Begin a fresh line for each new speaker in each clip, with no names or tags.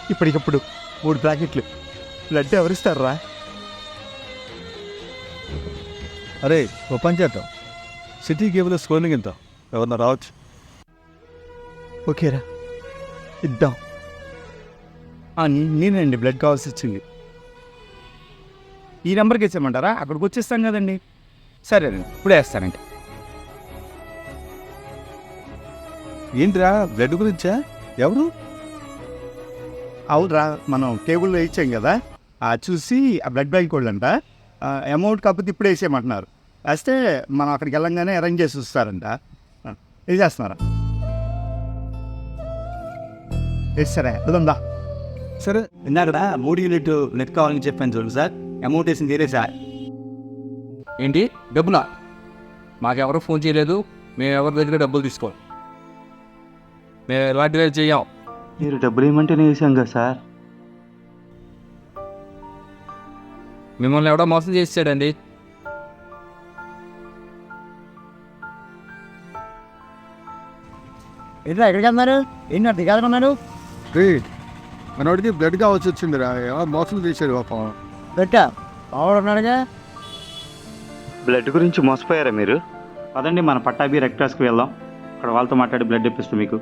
ఇప్పటికప్పుడు 3 ప్యాకెట్లు బ్లడ్ ఎవరిస్తారా?
అరే ఓ పని చేద్దాం, సిటీ కేబుల్ స్క్రోలింగ్ ఇద్దాం, ఎవరన్నా రావచ్చు.
ఓకేరా, ఇద్దాం. నేనండి బ్లడ్ కావాల్సి వచ్చింది. ఈ నెంబర్కి ఇచ్చేయమంటారా? అక్కడికి వచ్చేస్తాం కదండి. సరేనండి, ఇప్పుడే వేస్తానండి.
ఏంట్రా బ్లడ్ గురించా? ఎవరు?
అవునరా, మనం కేబుల్లో ఇచ్చాం కదా, చూసి ఆ బ్లడ్ బ్యాంక్ వాళ్ళంట అమౌంట్ కాకపోతే ఇప్పుడే వేసేయమంటున్నారు. వేస్తే మనం అక్కడికి వెళ్ళంగానే అరేంజ్ చేసి వస్తారంట. ఇది చేస్తున్నారా? వేస్తారా? వెళ్దా.
సరే,
ఇందాక 3 యూనిట్ నెట్ కావాలని చెప్పాను చూడండి సార్, అమౌంట్ వేసింది వేరే సార్.
ఏంటి డబ్బులా? మాకెవరూ ఫోన్ చేయలేదు, మేము ఎవరి దగ్గర డబ్బులు తీసుకోవాలి. మేము ఎలాంటివి చెయ్యాం.
మీరు డబ్బులు ఏమంటేనే వేసాం కదా సార్.
మిమ్మల్ని ఎవడో మోసం చేసాడండి.
ఏంట్రా ఎక్కడికి వెళ్తున్నారు? ఏంటి అర్థం కాదన్నారు?
మనోడికి బ్లడ్ కావాల్సి వచ్చిందిరా, ఎవరు మోసం చేశాడు పాపం.
పెట్టా మావాడు ఉన్నాడుగా.
బ్లడ్ గురించి మోసపోయారా మీరు? పదండి మన పట్టాభి రెడ్ క్రాస్కి వెళ్దాం, అక్కడ వాళ్ళతో మాట్లాడి బ్లడ్ ఇప్పిస్తాం మీకు.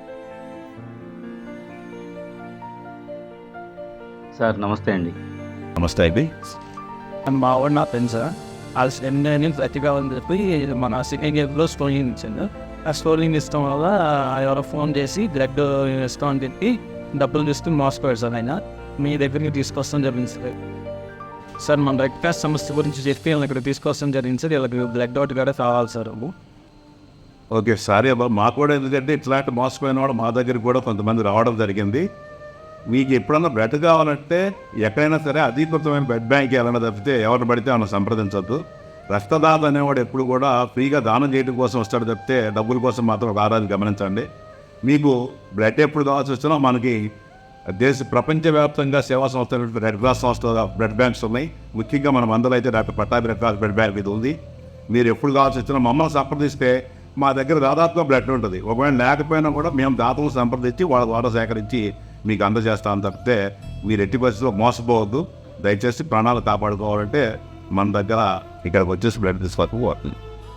సార్ నమస్తే అండి.
నమస్తే అండి.
మా వాడు నా ఫ్రెండ్ సార్, వాళ్ళు సెండ్ ప్రతిభా అని చెప్పి మన సెకండ్ ఇయర్లో స్టోరింగ్ ఇచ్చాను. ఆ స్టోరింగ్ ఇష్టం వల్ల ఎవరో ఫోన్ చేసి బ్లడ్ ఇస్తాం అని చెప్పి డబ్బులు తీసుకుని మోసపోయాడు సార్. ఆయన మీ దగ్గరికి తీసుకొస్తాం జరిగింది సార్. సార్ మన రెడ్ క్రాస్ సమస్య గురించి చెప్పి వీళ్ళని ఇక్కడ తీసుకొస్తాం జరిగింది సార్. వీళ్ళకి బ్లడ్ అవుట్ కూడా కావాలి సార్.
ఓకే, సారీ అబ్బా. మాకు కూడా ఎందుకంటే ఇట్లాంటి మోసపోయిన వాడు మా దగ్గరికి కూడా కొంతమంది రావడం జరిగింది. మీకు ఎప్పుడన్నా బ్లడ్ కావాలంటే ఎక్కడైనా సరే అధీకృతమైన బ్లడ్ బ్యాంక్ వెళ్ళినా తప్పితే ఎవరిని పడితే మనం సంప్రదించవద్దు. రక్తదాత అనేవాడు ఎప్పుడు కూడా ఫ్రీగా దానం చేయడం కోసం వస్తాడు తప్పితే డబ్బుల కోసం మాత్రం ఒక ఆరాధన గమనించండి. మీకు బ్లడ్ ఎప్పుడు కావాల్సి వచ్చినా మనకి ప్రపంచవ్యాప్తంగా సేవా సంస్థలు రెడ్ క్రాస్ సంస్థ బ్లడ్ బ్యాంక్స్ ఉన్నాయి. ముఖ్యంగా మన మందలో అయితే doctor Pattabhi red cross blood bank ఇది ఉంది. మీరు ఎప్పుడు కావాల్సి వచ్చినా మమ్మల్ని సంప్రదిస్తే మా దగ్గర దాదాపుగా బ్లడ్ ఉంటుంది. ఒకవేళ లేకపోయినా కూడా మేము దాతలను సంప్రదించి వాళ్ళ ద్వారా సేకరించి మీకు అందజేస్తాను తప్పితే మీరు ఎట్టి పరిస్థితుల్లో మోసపోవద్దు. దయచేసి ప్రాణాలు కాపాడుకోవాలంటే మన దగ్గర ఇక్కడికి వచ్చేసి బ్లడ్ తీసుకోవాలి.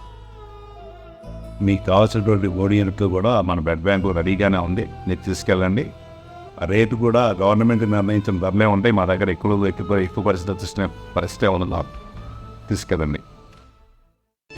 మీకు కావాల్సినటువంటి ఓడియన్కి కూడా మన బ్లడ్ బ్యాంకు రెడీగానే ఉంది, మీరు తీసుకెళ్ళండి. రేటు కూడా గవర్నమెంట్ నిర్ణయించిన ధరలే ఉంటాయి. మా దగ్గర ఎక్కువ పరిస్థితి ఉన్నది, తీసుకెళ్ళండి.